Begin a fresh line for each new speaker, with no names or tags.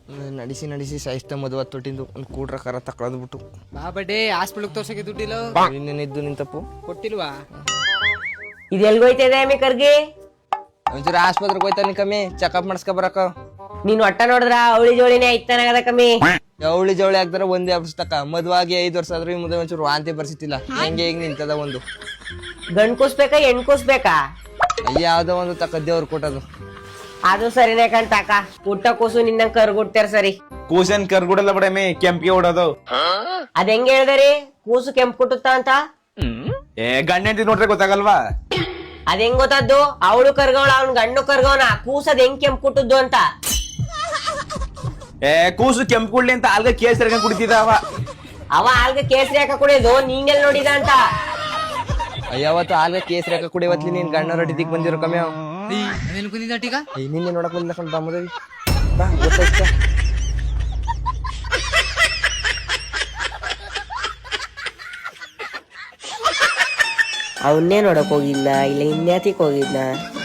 ನಡೆಸಿ ನಡೆಸಿ ಸಾಯಿಸ್ತ ಮದುವೆ ತೊಟ್ಟಿಂದು ಒಂದು ಕೂಡ್ರ ಕರ ತಕೊಳದ್ಬಿಟ್ಟು
ಬಾ ಬಡ್ಡೆ ಹಾಸ್ಪಿಟಲ್ ತೋರ್ಸಕ್ಕೆ ದುಡ್ಡಿಲ್ಲ
ಇನ್ನೇನಿದ್ದು ನಿಂತಪ್ಪು
ಕೊಟ್ಟಿಲ್ವಾ?
ಇದು ಎಲ್ಗೋಯ್ತದೆ ಅಮ್ಮಿ ಕರ್ಗಿ?
ಒಂಚೂರು ಆಸ್ಪತ್ರೆಗೆ ಹೋಯ್ತಾನೆ ಕಮ್ಮಿ ಚೆಕಪ್ ಮಾಡಿಸ್ಕೊ ಬರಕ.
ನೀನ್ ಒಟ್ಟ ನೋಡಿದ್ರ ಅವಳಿ ಜೋಳಿನೇ ಐತಾನಾಗದ ಕಮ್ಮಿ.
ಜವಳಿ ಜವಳಿ ಆಗ್ತಾರ ಒಂದೇ ವರ್ಷ ತಕ ಮದುವಾಗಿ 5 ವರ್ಷ ಆದ್ರೂ ಈ ಮುಂದೆ ಒಂಚೂರು ವಾಂತಿ ಬರ್ಸಿತ್ತಿಲ್ಲ. ಹೆಂಗೆ ಈಗ ನಿಂತದ ಒಂದು
ಗಂಡ್ ಕೂಸ್ಬೇಕಾ ಹೆಣ್ ಕೂಸ್ಬೇಕಾ?
ಯಾವ್ದೋ ಒಂದು ತಕ ದೇವ್ರು ಕೊಟ್ಟದು.
ಅದು ಸರಿನೇ ಕಂತಾಕ. ಪುಟ್ಟ ಕೂಸು ನಿನ್ನ ಕರ್ಗುಡ್ತಾರ ಸರಿ.
ಕೂಸನ್ ಕರ್ಗುಡಲ್ಲ ಬಡಮೆ ಕೆಂಪಿಗೆ ಓಡೋದು.
ಅದ್ ಹೆಂಗ್ ಹೇಳ್ದರಿ ಕೂಸು ಕೆಂಪ್ ಕುಟ್ಟುತ್ತ ಅಂತ?
ಗಂಡ ಹೆಂಡತಿ ನೋಡ್ರೆ ಗೊತ್ತಾಗಲ್ವಾ?
ಅದ್ ಹೆಂಗ್ ಗೊತ್ತದ್ದು? ಅವಳು ಕರ್ಗವಳ ಅವ್ನ್ ಗಂಡು ಕರ್ಗವನ ಕೂಸದ್ ಹೆಂಗ್ ಕೆಂಪ್ ಕುಟ್ಟದ್ದು ಅಂತ.
ಕೂಸು ಕೆಂಪು ಕುಡ್ಲಿ ಅಂತ ಅಲ್ಗ ಕೇಸ್ ಕುಡಿತಿದ
ಅವ ಆಲ್ಗ ಕೇಸರಿ ಹಾಕ ಕುಡಿಯೋದು ನೀಂಗೆಲ್ ನೋಡಿದ ಅಂತ.
ಯಾವತ್ತು ಆಗ ಕೇಸರಿ ಹಾಕ ಕುಡಿಯವತ್ಲಿ ನೀನ್ ಗಣ್ಣ ರೊಟ್ಟಿದಿಕ್ ಬಂದಿರೋ ಕಮ್ಮಿ ಅವ.
ಕುಂದಿದ್ದೀಗ
ನಿನ್ನೆ ನೋಡಕ್ ಬಂದಿಲ್ಲ ಕಣ್ ಬಾಮದೇವಿ. ಬಾ ಗೊತ್ತಾಯ್ತ.
ಅವನ್ನೇ ನೋಡಕ್ ಹೋಗಿದ್ನ ಇಲ್ಲ ಇನ್ಯಾತಿಕ್ ಹೋಗಿದ್ನ?